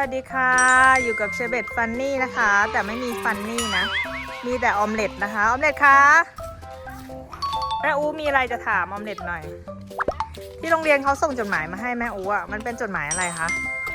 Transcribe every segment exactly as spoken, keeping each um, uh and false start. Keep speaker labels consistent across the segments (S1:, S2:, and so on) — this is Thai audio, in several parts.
S1: วัสดีค่ะอยู่กับเชเบตฟันนี่นะคะแต่ไม่มีฟันนี่นะมีแต่ออมเล็ตนะคะออมเล็ตคะแม่อูมีอะไรจะถามออมเล็ตหน่อยที่โรงเรียนเขาส่งจดหมายมาให้แม่อูอ่ะมันเป็นจดหมายอะไรคะ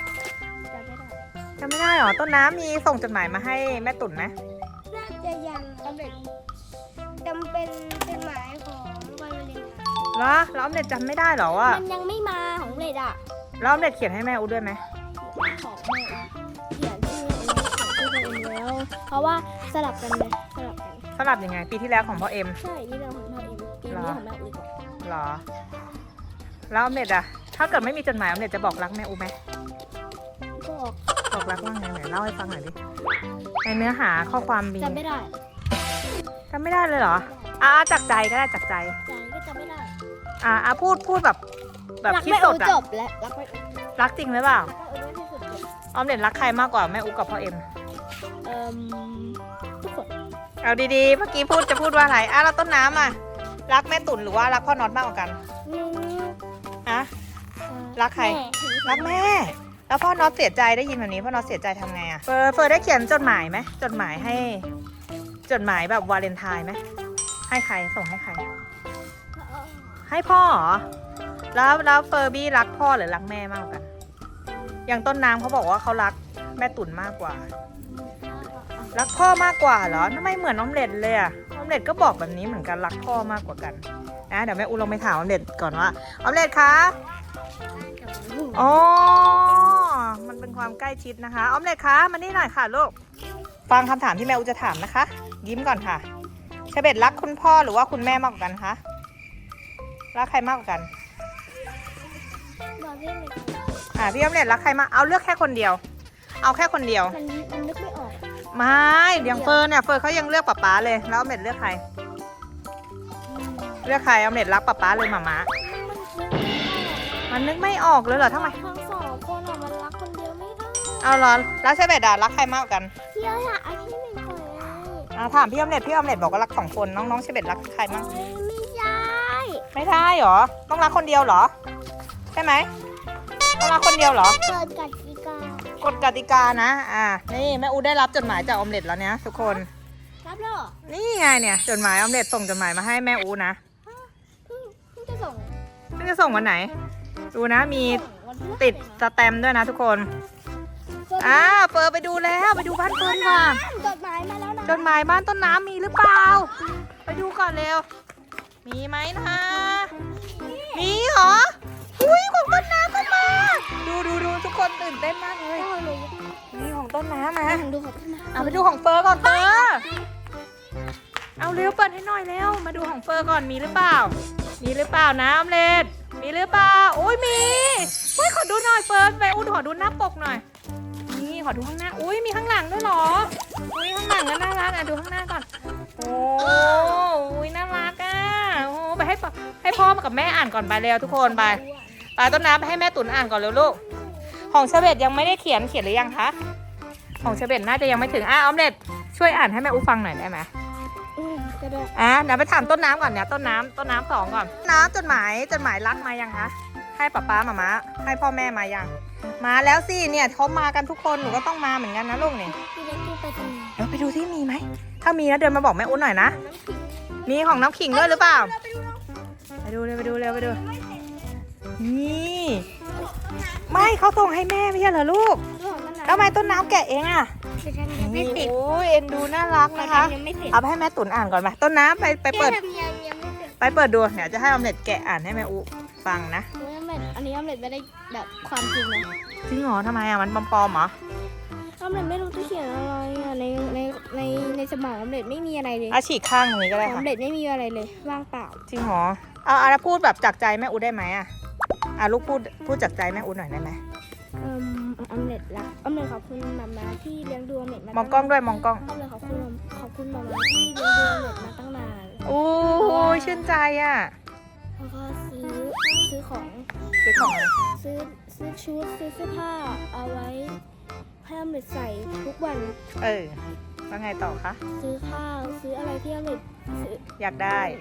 S1: จำไม่ได้หรอต้นน้ำมีส่งจดหมายมาให้แม่ตุ่นไหม
S2: น่าจะยังออมเล็ตจำเป็นจดหมายของวันวาเลนไทน์
S1: เหรอแล้วออมเล็ตจำไม่ได้หรอว่า
S2: มันยังไม่มาของเล็ตอ่ะ
S1: แล้วออมเล็ตเขียนให้แม่อูด้วยไหม
S2: ของแม่เขียนชื่อเองเขียนชื่อตัวเองแล้วเพราะว่าสลับกันเลยสลับกัน
S1: สลับยังไงปีที่แล้วของพ่อเอ็ม
S2: ใช่นี่เราของพ่อเอ็มปีนี้ของแม่อู
S1: หรอแล้วออมเล็ตอะถ้าเกิดไม่มีจดหมายออมเล็ตจะบอกรักแม่อูไหม
S2: บอก
S1: บอกรักว่าไงไหนเล่าให้ฟังหน่อยดิในเนื้อหาข้อความมี
S2: จำไม่ได้
S1: จำไม่ได้เลยเหรออ่าจากใจก็ได้จากใจ
S2: ใจก็จำไม่ได้
S1: อ่าอ่าพูดพูดแบบแบบที่สุดอะ
S2: จบและรักไม่
S1: รักจริงหรือเปล่าออมเล็ตรักใครมากกว่าแม่อูกับพ่อเอ็ม
S2: เอ่อทุกคน
S1: เอาดีๆเมื่อกี้พูดจะพูดว่าอะไรอ่ะเราต้นน้ำอะรักแม่ตุ่นหรือว่ารักพ่อน็อตมากกว่ากันอะรักใครรักแม่แล้วพ่อน็อตเสียใจได้ยินแบบนี้พ่อน็อตเสียใจทำไงอะเฟิร์เฟิร์ได้เขียนจดหมายไหมจดหมายให้จดหมายแบบวาเลนไทน์ไหมให้ใครส่งให้ใครให้พ่อเหรอแล้วแล้วเฟอร์บี้รักพ่อหรือรักแม่มากกว่ากันอย่างต้นน้ำเขาบอกว่าเขารักแม่ตุ่นมากกว่ารักพ่อมากกว่าเหรอทำไมเหมือนออมเล็ตเลยอะออมเล็ตก็บอกแบบนี้เหมือนกันรักพ่อมากกว่ากันนะเดี๋ยวแม่อูลองไปถามออมเล็ตก่อนว่าออมเล็ตคะอ๋อมันเป็นความใกล้ชิดนะคะออมเล็ตคะมานี่หน่อยค่ะลูกฟังคำถามที่แม่อูจะถามนะคะยิ้มก่อนค่ะเชเบตรักคุณพ่อหรือว่าคุณแม่มากกว่ากันคะรักใครมากกว่ากันอ่าพี่ออมเล็ตรักใครมากเอาเลือกแค่คนเดียวเอาแค่คนเดียว
S2: มันมันนึกไม่ออก
S1: ไม่อย่างเฟิร์นเนี่ยเฟิร์นเขายังเลือกป๊าป๊าเลยแล้วออมเล็ตเลือกใครเลือกใครออมเล็ตรักป๊าป๊าเลยหม่าม้ามันนึกไม่ออกเลยเหรอทำไม
S2: ทั้งสองคนอ่ะมันรักคนเดียวไม่ได้
S1: เอาเหรอแล้วเชเบตรักใครมากกว่ากัน
S2: พี่อยากเอาที่หนึ่งก่อน
S1: อ่าถามพี่ออมเล็ตพี่ออมเล็ตบอกว่ารักสองคนน้องๆเชเบตรักใครมาก
S2: ไม่ได้
S1: ไม่ได้หรอต้องรักคนเดียวเหรอใช่ไหมต้องรักคนเดียวเหรอ
S2: เกิดกติกาก
S1: ฎกติกานะอ่านี่แม่อูได้รับจดหมายจากออมเล็ตแล้วเนี่ยทุกคน
S2: รับแล้ว
S1: นี่ไงเนี่ยจดหมายออมเล็ตส่งจดหมายมาให้แม่อูนะ
S2: เพิ่งจะส่ง
S1: เพิ่งจะส่งวันไหนดูนะมีติดสแตมป์ด้วยนะทุกคนอ่าเฟิร์ไปดูแล้วไปดูบ้านเฟิร์นว่ะ
S2: จดหมายมาแล้วนะ
S1: จดหมายบ้านต้นน้ำมีหรือเปล่าไปดูก่อนเร็วมีไหมนะมีเหรออุ้ยของต้นน้ำก็มาดูดูดูทุกคนตื่นเต้นมากเลยนี่ของต้นน้ำมา
S2: ดูของต้นน้ำ
S1: เอาไปดูของเฟิร์ก่อนเฟิร์เอาเร็วเปิดให้หน่อยเร็วมาดูของเฟิร์ก่อนมีหรือเปล่ามีหรือเปล่านะออมเล็ตมีหรือเปล่าโอ้ยมีอุ้ยขอดูหน่อยเฟิร์นไปอุ้ยขอดูหน้าปกหน่อยนี่ขอดูข้างหน้าอุ้ยมีข้างหลังด้วยเหรออุ้ยข้างหลังก็น่ารักอ่ะดูข้างหน้าก่อนโอ้อุ้ยน่ารักอ่ะโอ้ไปให้ให้พ่อมากับแม่อ่านก่อนไปเร็วทุกคนไปไปต้นน้ำไปให้แม่ตุ๋นอ่านก่อนเร็วลูกของเชเบตยังไม่ได้เขียนเขียนหรือยังคะของเชเบตน่าจะยังไม่ถึงอ่ะออมเล็ตช่วยอ่านให้แม่อูฟังหน่อยได้ไหม
S2: ก็ได้
S1: อ่ะเดี๋ยวไปถามต้นน้ำก่อนเนี่ยต้นน้ำต้นน้ำสองก่อนน้ำจดหมายจดหมายรักมายังคะให้ป๊าป๊ามาม้าให้พ่อแม่มายังมาแล้วสิเนี่ยเขามากันทุกคนหนูก็ต้องมาเหมือนกันนะลูกนี่เดี๋ยวไปดูที่มีไหมถ้ามีนะเดินมาบอกแม่อุ้นหน่อยนะมีของน้ำขิงด้วยหรือเปล่าไปดูเลยไปดูเร็วไปดูนี่ไม่เขาส่งให้แม่ไม่ใช่เหรอลูกแล้วทำไมต้นน้ำแกะเองอ่ะโอ้ยเอ็นดูน่ารักนะคะเอาไปให้แม่ตุ๋นอ่านก่อนไหมต้นน้ำไปไปเปิดไปเปิดดูเดี๋ยวจะให้ออมเล็ตแกะอ่านให้แม่อูฟังนะ
S2: อันนี้ออมเล็ตไม่ได้แบบความจริงเลย
S1: จริงเหรอทำไมอ่ะมันปลอมๆเหรอ
S2: ออมเล็ตไม่รู้จะเขียนอะไรอ่ะในในในในสมองออมเล็ตไม่มีอะไรเลย
S1: อาฉีกข้างตรงนี้ก็ได้ค่ะ
S2: ออมเล็ตไม่มีอะไรเลยว่างเปล่า
S1: จริงเหรอเอาเอาพูดแบบจากใจแม่อูได้ไหมอ่ะอ่ะลูกพูดพูดจากใจแม่อูหน่อยได้ไหม
S2: เอ่อออมเล็ตรักออมเล็ตขอบคุณมาม่าที่เลี้ยงดูออมเล็ตมาม
S1: องกล้องด้วยมองกล้อง
S2: ออมเล็ตขอบคุณขอบคุณมาม่าที่เลี้ยงดูออมเล็ตมาตั้งนาน
S1: โอ้ยชื่นใจอ่ะ
S2: แล้วก็ซื้อซื้อของ
S1: ซื้อของอะไร
S2: ซื้อซื้อชุดซื้อเสื้อผ้าเอาไว้ให้ออมเล็ตใส่ทุกวัน
S1: เออว่าไงต่อคะ
S2: ซื้อข้าวซื้ออะไรที่ออมเล็ต
S1: อยากได้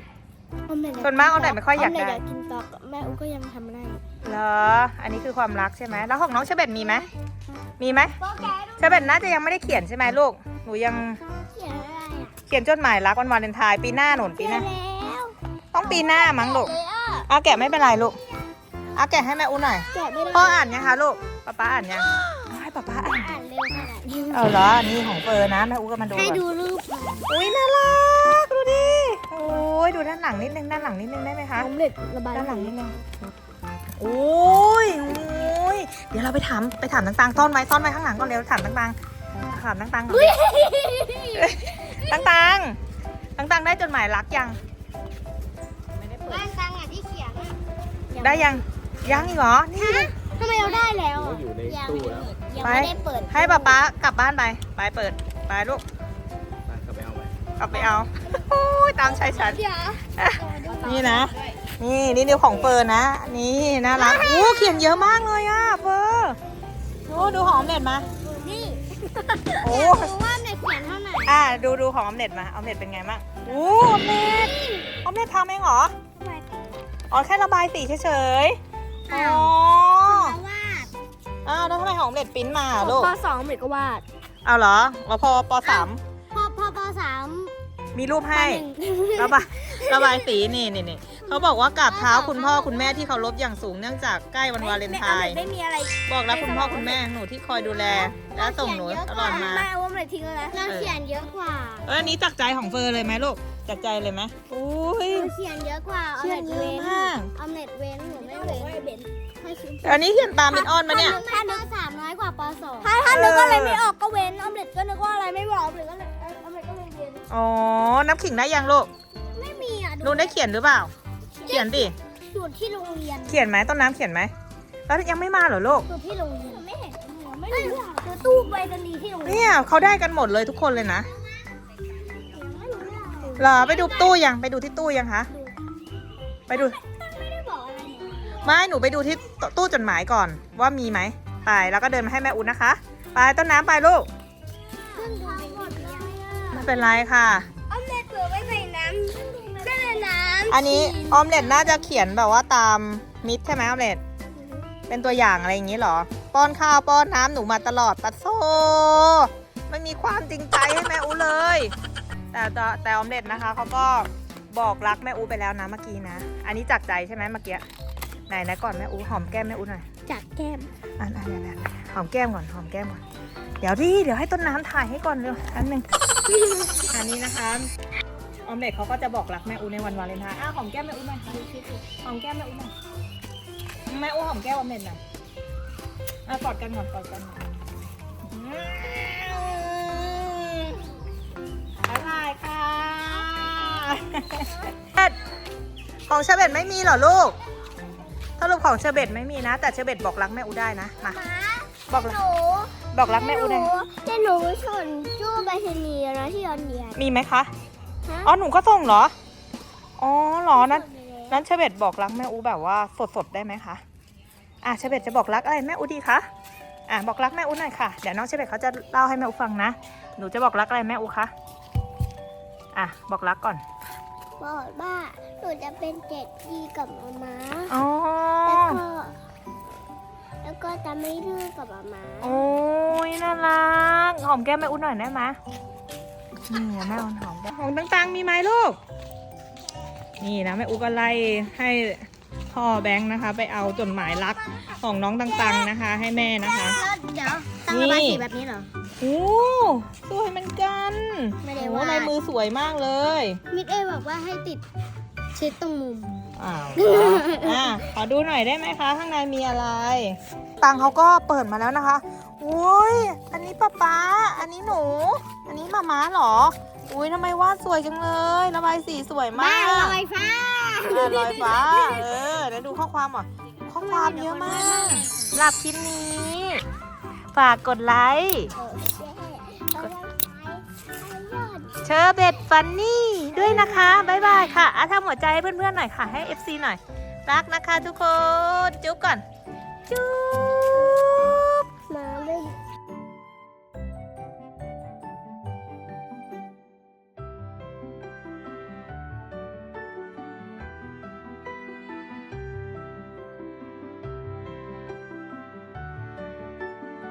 S2: ออมเล็ต
S1: ส่วนมากออมเล็ตไม่ค่อยอยากได้
S2: อมเล็ตอยากกินต๊อกแม่อูก็ยังทำได้
S1: เหรออันนี้คือความรักใช่ไหมแล้วของน้องเชเบตมีไหมมีไหม
S2: โปแก
S1: เชเบตน่าจะยังไม่ได้เขียนใช่ไหมลูกหนูยัง
S2: เขียนอะไรอ่ะ
S1: เขียนจดหมายรักวันวาเลนไทน์ปีหน้าหนุนปี
S2: เขี
S1: ห
S2: ย
S1: น้าน
S2: แล้ว
S1: ต้องปีหน้ามั้งลูก
S2: เลยอ่ะ
S1: เอาแกะไม่เป็นไรลูกเอาแกะให้แม่อุ้นหน่อย
S2: แกะไม่ได้
S1: พ่ออ่านยังคะลูกป๊าป๊าอ่านยังเอาให้ป๊าป๊าอ่าน
S2: อ่านเร็วขนาดนี้
S1: เอาเหรอนี่ของเฟิร์นนะแม่อุ้ก็มาดู
S2: ให้
S1: ก่อน
S2: ดูรูปค่ะ
S1: อุ้ยน่ารักดูดิโอ้ยดูด้านหลังนิดนึงด้านหลังนิดนึงได้ไหมคะ
S2: ออมเล็ตระบาย
S1: ด้านหลังนิดนึงโอ้ยโอ้ยเดี๋ยวเราไปถามไปถามต่างๆซ่อนไว้ซ่อนไว้ข้างหลังก่อนเร็วถามต่างๆถามต่างๆก่อนต่างๆต่างๆได้จดหมายรักยังไม่ได้เปิด
S2: บ้านตังอ่ะที่เขียนอะ
S1: ได้ยังยังอีกเหรอนี่
S2: ทำไมเราได้แล้ว
S3: เขา
S2: อ่ะ
S3: อยู่ในตู้แล้ว
S2: ยัง
S1: ไป
S2: ไม่ได้เปิด
S1: ให้ป๊าป๊ากลับบ้านไปไปเปิดไปลูก
S3: ไปเข้าไปเอาไว้
S1: กลับไปเอาโอ้ยตามใจฉัน
S2: เดี๋ยว
S1: นี่นะ นี่นี่นิ้วของเฟิร์นนะ นี่น่ารักโอ้เขียนเยอะมากเลยอ่ะเฟิร์นโอ้ดูหอมเด็ดมา
S2: นี่
S1: โอ้
S2: รู้ว่าเน็ตเขียนเท่าไหร่
S1: อ่ะดูดูของออมเล็ตมาออมเล็ตเป็นไงบ้างโอ้ออมเล็ตออมเล็ตทำเองเหรออ๋อแค่ระบายสีเฉยๆอ๋อ
S2: เพราะว่า
S1: อ้าวแล้วทำไมของออมเล็ตปริ้นมา
S2: ข
S1: อ่ะ
S2: อง
S1: ลูก
S2: ปสองเน็ตก็วาด
S1: เอาเหรอแล้วพอปสาม
S2: พอพอปสาม
S1: มีรูป
S2: ป
S1: ให้
S2: หนึ่ง
S1: ระบายระบายสีนี่นี่นี่เขาบอกว่ากราบเท้าคุณพ่อคุณแม่ที่เคารพอย่างสูงเนื่องจากใกล้วันวาเลนไทน์
S2: ไม่มีอะไร
S1: บอกรักคุณพ่อคุณแม่ของหนูที่คอยดูแล และส่งหนูตลอดมา
S2: ไม่เอาว่ามันทิ้งแล้วเราเขียนเยอะกว่า
S1: เอออันนี้จากใจของเฟิร์นเลยไหมลูกจากใจเลยไหมอุ้ย
S2: เราเขียนเยอะกว่า
S1: เขียนเยอะมาก
S2: เอาเน็ตเว้นหนูไม่เว้นให้คิด
S1: อันนี้เขียนตามเป็นออนมาเนี่ย
S2: ถ้านึกสามน้อยกว่าปสองถ้าถ้านึกอะไรไม่ออกก็เว้นออมเล็ตก็นึกว่าอะไรไม่บอกออมเล็ตก็เลยออมเล็ตก็เลยเว้น
S1: อ๋อ นับขิงได้ยังลูก
S2: ไม่มีอ่ะ
S1: ลูกได้เขียนหรือเปล่า เขียนดิ
S2: สูตรที่โรงเรียน
S1: เขียนไหมต้นน้ำเขียนไหม แล้วยังไม่มาเหรอลูก
S2: สูตรที่โรงเรียนไม่เห็นไม่รู้คือตู้ไปรษณีย์ที่โรงเรียน
S1: เนี่ยเขาได้กันหมดเลยทุกคนเลยนะ
S2: ไม่รู้เรื่อง
S1: เหรอไปดูตู้ยัง ไปดูที่ตู้ยังคะ ไปดู
S2: ไม่ได้บอกอะไรเนี่ย
S1: ไม่ หนูไปดูที่ตู้จดหมายก่อนว่ามีไหม ไป แล้วก็เดินมาให้แม่อุ่นนะคะ ไปต้นน้ำไปลูก
S2: ขึ้นทางหมดเลย
S1: ไม่เป็นไรค่ะ
S2: ออมเล็ตเผื่อไว้ใส่น้ำใส่น้ำ
S1: อันนี้ออมเล็ตน่าจะเขียนแบบว่าตามมิตรใช่ไหมออมเล็ต เป็นตัวอย่างอะไรอย่างนี้เหรอ ป้อนข้าวป้อนน้ำหนูมาตลอดปัดโซไม่มีความจริงใจให้แม่อูเลย แต่แต่แต่ออมเล็ตนะคะเขาก็บอกรักแม่อูไปแล้วนะเมื่อกี้นะ อันนี้จากใจใช่ไหมเมื่อกี้ไหนนะก่อนแม่อูหอมแก้มแม่อูหน่อย
S2: จากแก้ม
S1: อันอันอันอันหอมแก้มก่อนหอมแก้มก่อนเดี๋ยวดิเดี๋ยวให้ต้นน้ำถ่ายให้ก่อนเร็วอันหนึ่ง อันนี้นะคะออมเล็ตเขาก็จะบอกรักแม่อูในวันวาเลนไทน์อ้าวหอมแก้มแม่อูหน่อยหอมแก้มแม่อูหน่อยแม่อูหอมแก้มออมเล็ตหน่อยอ่ะกอดกันก่อนกอดกันก่อนบ๊ายบายค่ะ ของเชอร์เบตไม่มีเหรอลูกสรุปของเชอร์เบตไม่มีนะ แต่เชอร์เบตบอกรักแม่อูได้นะมาบอกรัก
S2: หนู
S1: บอกรักแม่อูได้
S2: แต่หนูชนจู้ไปรษณีย์นะที่ยอนเดียน
S1: มีไหมคะ
S2: ฮะ
S1: อ๋อหนูก็ส่งเหรออ๋อเหรอนั้นนั้นเชอร์เบตบอกรักแม่อูแบบว่าสดๆได้ไหมคะอ่ะเชอร์เบตจะบอกรักอะไรแม่อูดีคะอ่ะบอกรักแม่อูหน่อยค่ะเดี๋ยวน้องเชอร์เบตเขาจะเล่าให้แม่อูฟังนะหนูจะบอกรักอะไรแม่อูคะอ่ะบอกรักก่อน
S2: บอกว่าหนูจะเป็นเด็กดีกับมาม่า
S1: อ๋อ
S2: แล้วก็แล้วก็จะไม่ดื้อกับมาม่า
S1: โอ้ยน่ารักหอมแก้มแม่อูหน่อยได้ไหมนี่แม่อูหอมแก้มหอมต่างๆมีไหมลูกนี่นะแม่อูก็ไล่ให้พ่อแบงค์นะคะ ไปเอาจดหมายรักของน้องต่างๆนะคะ ให้แม่นะคะ
S2: แล้วเดี๋ยวตั้งระบายสีแบบนี้เหรอ
S1: โอ้สวยเหมือนกัน
S2: ไม่ได้
S1: โอ้
S2: วาด
S1: ลายมือสวยมากเลย
S2: มิดเอบอกว่าให้ติดชิดตรงมุม
S1: อ้าวอ่ะขอดูหน่อยได้ไหมคะ ข้างในมีอะไร ตังเขาก็เปิดมาแล้วนะคะอุ้ยอันนี้ป๊าป๊าอันนี้หนู อันนี้มาม้าเหรออุ้ยทำไมวาดสวยจังเลยระบายสีสวยมาก
S2: ลอยฟ้า
S1: อ่ะลอยฟ้าเออเดี๋ยวดูข้อความอ่ะข้อความเยอะมากสำหรับคลิปนี้ ฝากกดไลค์ เชอร์เบตฟันนี่ด้วยนะคะ บ๊ายบายค่ะอ่ะทำหัวใจให้เพื่อนๆหน่อยค่ะ ให้ เอฟ ซี หน่อย รักนะคะทุกคน จุ๊บก่อน จุ๊บ